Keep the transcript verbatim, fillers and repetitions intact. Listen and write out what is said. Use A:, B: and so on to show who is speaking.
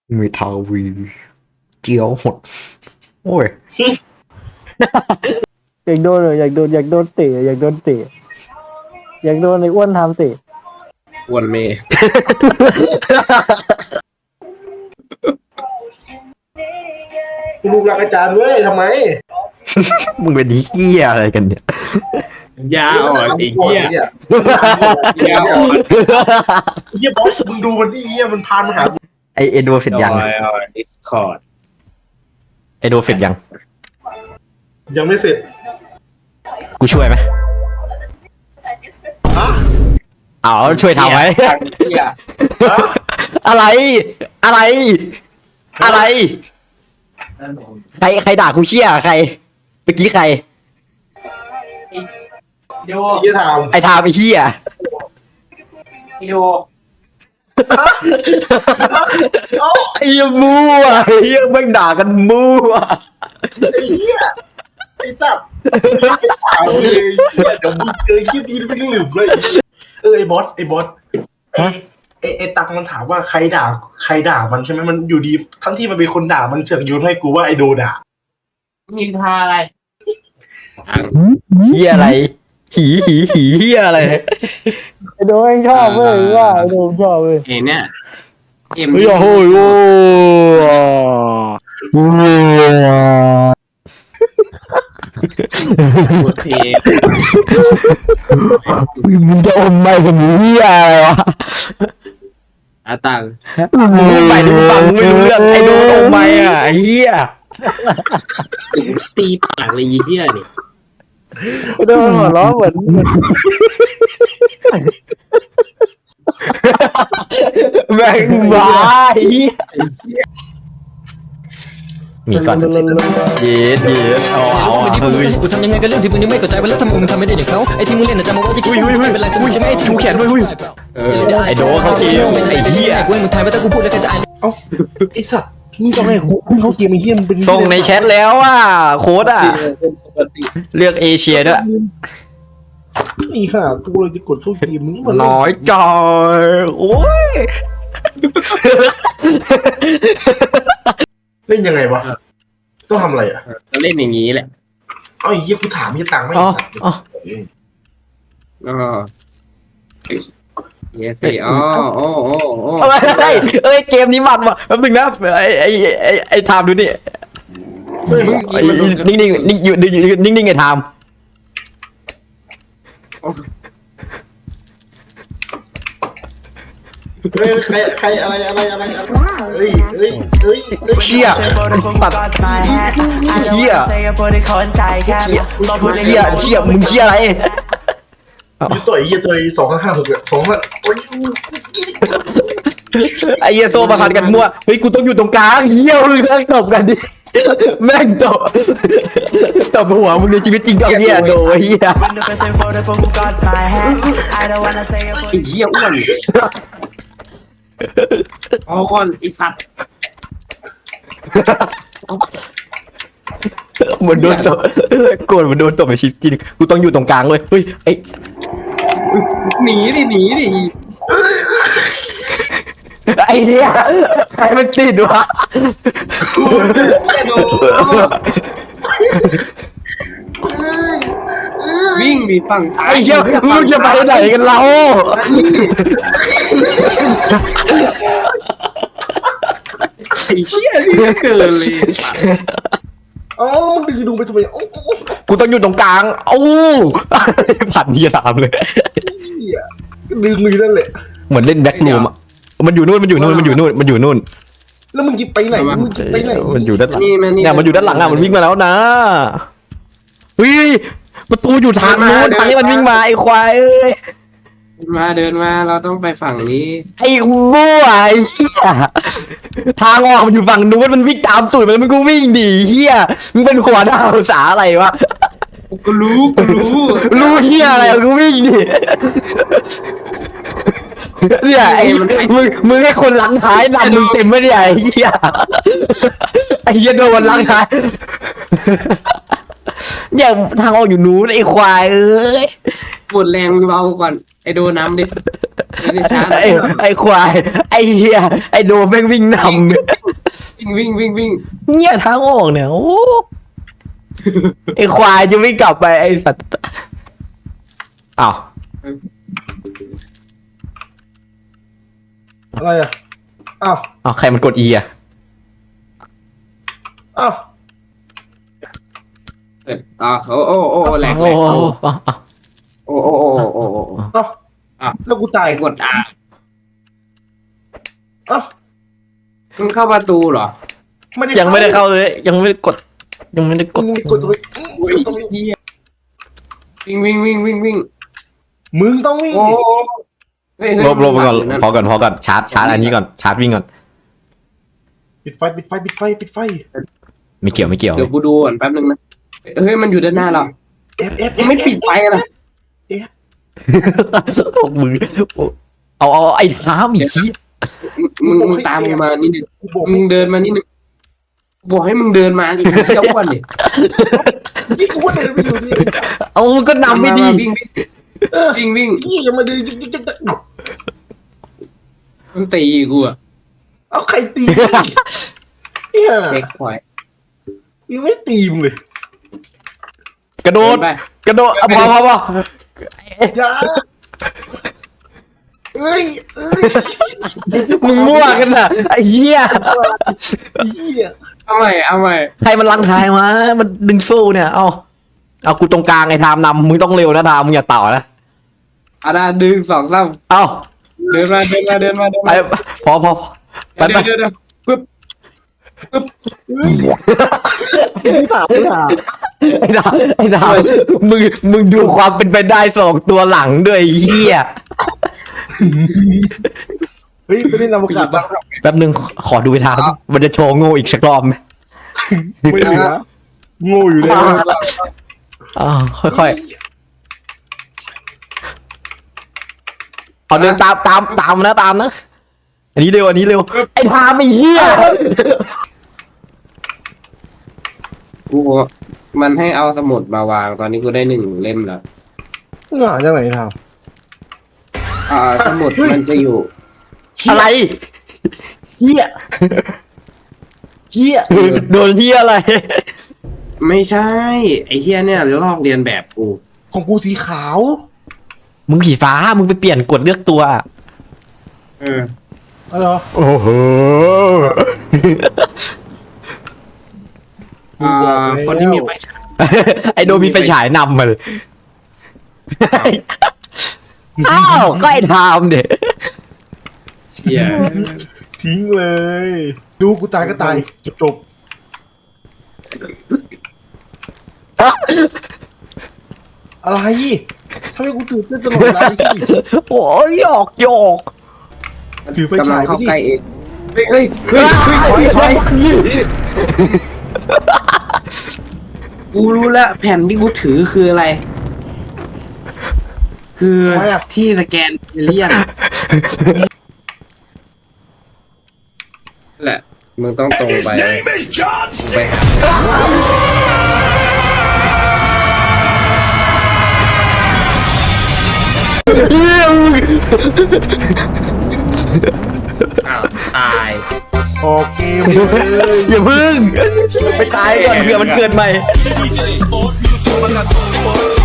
A: มีทาวีเจียวหดโอ้ย
B: อยากโดนเลยอยากโดนอยากโดนเตะอยากโดนเตะอยากโดนไอ้อ้วนทำเตะ
C: อ้วนเมย์
D: ลูกรักอาจารย์เว้ยทำไม
A: มึงเป็นเหี้ยอะไรกันเนี่ย
C: ยาอ่อนไอ้เหี้ย
D: เนี่ย
C: ยาอ่อน
D: เฮียบอสมึงดูมันดิเฮียมันพานมาหากู
A: ไอเอโดเสร็จยัง
C: ดอยอ่อนดิสคอร์ด
A: ไอโดเสร็จยัง
D: ยังไม่เสร็จ
A: กูช่วยไหม
D: ฮะ
A: อ๋อช่วยทำไหม
C: เหี้ย
A: อะไร อะไร อะไร ใครใครด่ากูเชี่ยใครเมื่อกี้ใคร
C: โย
D: เฮียถาม
A: ไอทามไอเชี่ย
C: โย
A: ไอ้มั่วไอ้เหี้ยแม่งด่ากันมั่ว
D: ไอ้เฮียไอ้สัตว์ถามเลยเดี๋ยวมึงเจอเฮียดีไม่ลืมเลยเออไอ้บอสไอ้บอสไอ้ไอ้ไอ้ตักมันถามว่าใครด่าใครด่ามันใช่ไหมมันอยู่ดีทั้งที่มันเป็นคนด่ามันเสือกโยนให้กูว่าไอ้โดด่า
C: นินทาอะไร
A: เหี้ยอะไรหีหีหีเหี้ยอะไร
B: ไอ้โดนเองชอบเว้ยว่าไอ้โดนชอบเว้ย
C: เอ็เนี่ยเอ็ม
A: เฮ้ยโอ้ยโอ้
C: โอเค
A: มึงจะอมไม่เป็นเหี้ยอะไรวะ
C: อาตัง
A: มึงไปดิมึงฟังมึงไม่รู้เรื่องไอ้โดนอมไม่อ่ะไอ้เหี้ย
C: ตีปากเลยยี่เหี้ยนี่
B: ไอ้โดนหัวล้อเหมือนเหมือน
A: แม่งบ้าไอ้เหี้ยมีก่อนเย็ดเย็ดเอาเอา
E: วันนี้
A: เอา
E: มึง
A: เฮ้ย
E: จะให้กูทำยังไงกับเรื่องที่มึงยังไม่เข้าใจว่าแล้วทำไมมึงทำไม่ได้อย่างเขาไอ้ที่มึงเล่นน่ะจำเอาไว้ที่
A: อุ้ยอุ้ยอุ้ย
E: เป็นไรสมมติใช่ไหม
A: ชูแขนด้วยอุ้ย
C: เออ
A: ไอ้โดเขาเกมไอ้เหี้ย
E: กูให้มึงทายว่าถ้ากูพูดแล้วใครจะอ่าน
D: เอ้าไอ้สัตว์มึงต้องให้กูมึงเขาเกมไอ้เฮียมันเป็น
A: ส่งในแชทแล้วอ่ะโค้ดอ่ะ
C: ปกติ
A: เลือกเอเชียด้วย
D: ไอ้ห่ากูเลยจะกดเข้าเกมมึงมัน
A: น้อยจอยโอ้ย
D: เล่นยังไงวะต้องทำอะไรอ่ะ
C: ก็เล่นอย่างนี้แหละ
D: เอาไอ้เหี้ยกูถามยี่ตังค์ไม่
A: อ๋อ
D: สัตว์
A: อ๋อ
C: อ๋อเยสอ๋อโอ้โอ้โอ้
A: เอ้ยเอ้ยเกมนี้มันว่ะแป๊บนึงนะไอ้ไอ้ไอ้ไอ้ไทม์ดูนี่
D: เฮ้ย
A: ไอ้นิ่งนิ่งนิ่งอยู่นิ่งนิ่งไอ้ไทม์
D: เฮ้ยใครใครอะไรอะไรอะไรอะไรเฮ้ยเฮ้ยเฮ้ยเฮ้ย
A: เชี่ยตัดเชี่ยเชี่ยเชี่ยมึงเชี่ยอะไร
D: ยี่ต่อยยี่ต่อยสองห้าห้าหกสองห้าโอ้ย
A: ไอ้เหี้ยโซมาคันกันมั่วเฮ้ยกูต้องอยู่ตรงกลางเหี้ยมึงเลิกตบกันดิแม่งตบตบหัวมึงในชีวิตจริงกับเหี้ยโดไอ้เหี้ย
C: ไอ้เหี้ยอ้วนเอาก่อนไอ้สัตว์
A: เหมือนโดนตบโกรธเหมือนโดนตบในชีวิตจริงกูต้องอยู่ตรงกลางเลยเฮ้ยไอ้
C: หนีดิหนีดิ
A: ไอ้เนี่ยใครมันติดวะ
C: เหี้ยโดวิ่งดิฝั่งซ้าย
A: ไอ้เหี้ยมึงจะไปไหนกันเรา
C: ไอ้เชี่ยนี่เกินเลย
D: เอ้ามึงดูไปทำไมโอ้
A: กูต้องอยู่ตรงกลางโอ้ผ่านเหี้ยถามเลย
D: เหี้ยดึงมือนั่นแหละ
A: เหมือนเล่นแบ็ครูมอ่ะมันอยู่นู่นมันอยู่นู่นมันอยู่นู่นมันอยู่นู่น
D: แล้วมึงจะไปไหนมึงจะไปไหน
A: มันอยู่ด้านหลัง
C: นี่มันนี่
A: เนี่ยมันอยู่ด้านหลังอ่ะมันวิ่งมาแล้วนะเฮ้ยประตูอยู่ทางนู้นทางนี้มันวิ่งมาไอ้ควายเอ้ย
C: มาเดินมาเราต้องไปฝั่งนี้
A: ไอ้บัวไอ้เหี้ยทางออกมันอยู่ฝั่งนู้นมันวิ่งตามสูตรมันมันก็วิ่งดิเหี้ยมึงเป็นหัวหน้าภาษาอะไรวะ
C: กูรู้กูรู้
A: รู้เหี้ยอะไรกูวิ่งดิเนี่ยไอ้มึงมึงให้คนหลังท้ายนำมึงเต็มไม่ได้ไอ้เหี้ยไอ้เหี้ยโดนหลังท้ายเนี่ยทางออกอยู่นู้นไอ้ควายเอ้ย
C: ปวดแรงเบาก่อนไอโดน้ำดิไม่ได้ช้า
A: ไอ้ไอ้ควายไอ้เหี้ยไอ้โดมแม่งวิ่งน
C: วิ่งวิ่งวิ่งวิ่ง
A: ำเนี่ยทางออกเนี่ยโอ้ไอ้ควายจะไม่กลับไปไอ้สัตว์อ้าว
D: อะไรอ่ะอ้าว
A: อ้าวใครมันกด E อ่ะ
D: อ้าว
C: เกิดอ่าโอ้โอ้โอ้แหลกแหล
A: โอ้
C: ก
A: โหอ้าวอ้าว
C: โอ้โอ้โอ้โอ้โอ้
D: อ้าว
C: อ่ะ
D: แล้วกูตาย
C: ไอ้กดอ่า
D: อ้าว
C: มันเข้าประตูเหรอ
D: ไม่ได้
A: ยังไม่ได้เข้าเลย ยังไม่ได้กด ยังไม่ได้ก
D: มึ
A: ด
D: งกดตรงนี้
C: โอ้ย
D: กดตรงนี้
C: เหี้ยวิ่งวิ่งวิ่งวิ่งวิ่ง
D: มึงต้องวิ่ง
C: โอ้เฮ้ยเฮ้ย
A: ลบลบไปก่อน
C: มั
A: พอก่อนพอก่อนชาร์จชาร์จอันนี้ก่อนชาร์จวิ่งก่อน
D: ปิดไฟปิดไฟปิดไฟปิดไฟ
A: ไม่เกี่ยวไม่เกี่ยว
C: เดี๋ยวกูดูก่อนแป๊บนึงนะเฮ้ยมันอยู่ด้านหน้าเรา
D: เอฟเอฟ
C: ยังไม่ปิดไฟกันเลย
A: พวกมึงเอาเอาไอ้ท้ามอีกที
C: มึงมึงตามกูมานิดนึง
D: กูบอก
C: มึงเดินมานิดนึงบอกให้มึงเดินมาดิเที่ยววันดิ
D: นี่กูว่าเดินไปอยู่นี่
A: เอามึงก็นำไม่ดี
C: มาวิ่งวิ่งวิ่งวิ่ง
D: พี่ยังมาเดินจิ๊กจิ๊กจิ๊กจิ๊ก
C: มันตีกูอะ
D: เอาใครตีเนี่ย
C: เช็คพอยต์
D: ยังไม่ตีมึงเลย
A: กระโดด
C: ไป
A: กระโดดเอาพอพอพอ
D: อย่าเอ้ยเอ้ย
A: มึงมั่วกันน่ะไอ้เหี้ย
D: เหี้ย
C: เอาใหม่เอาใหม่
A: ใครมันลังทายมามันดึงสู้เนี่ยเอาเอากูตรงกลางไอ้ทามนำมึงต้องเร็วนะทามมึงอย่าต่อนะ
C: อาดาดึงสองสาม
A: เอา
C: เดินมาเดินมาเดินมาเดิน
A: ไป
C: มา
A: พอพอพอไป
C: เดี๋
A: ไป
C: ยวเดี๋ยวเดี๋ยวปึ๊บ
B: ไม่ถามไม่ถาม
A: ไอ้ดาวไอ้ดาวมึงมึงดูความเป็นไปได้สองตัวหลังด้วยไอ้เหี้ย
D: เฮ้ยไปเล่นอวกาศบ้าง
A: แป๊บนึงขอดูไปทางมันจะโชว์โง่อีกสักรอบไหม
D: ไม่เหลือโง่อยู่เลย
A: อ่าค่อยๆเอาเดินตามตามตามนะตามนะอันนี้เร็วอันนี้เร็วไอ้ทามไอ้เหี้ย
C: กูมันให้เอาสมุดมาวางตอนนี้กูได้หนึ่งเล่มแล้ว
D: หง่าจังไหนท
C: อ่าสมุดมันจะอยู่
A: อะไร
D: ำเหี้ยเหี้ย
A: โดนเหี้ยอะไร
C: ไม่ใช่ ไอ้เฮียเนี่ยลอกเรียนแบบกู
D: ของกูสีขาว
A: มึงผีฟ้ามึงไปเปลี่ยนกดเลือกตัว
C: เออ
D: อ๋อเหรอ
A: โอ้โห
C: อ่าคนที่มีไฟฉาย
A: ไอโดมีไฟฉายนำมาเลยอ้าวก็ไอ้ทามเด็
C: เฮีย
D: ทิ้งเลย ดูกูตายก็ตายจบจบอะไรทำไมกูตื่นเต้นตลอดเวลาที่
A: โอ้ยหยอกหยอก
D: ถือไฟ
C: กำลั
D: ฉาง ย
C: เข้า
D: ไปดิ
C: ใกล้เองเฮ้ยเฮ้ยเฮ้ยเฮ้ยถอยถอยกูรู้แล้วแผ่นที่กูถือคืออะไร คือที่สแกนเอเลี่ยนแหละมึงต้องตรงไปไปหาอ้าวตาย
D: ออกเกมเลย
A: อย่าพึ่ง ไปตายก่อนเผื่อมันเกิดใหม่
F: D J Ford, you can come and I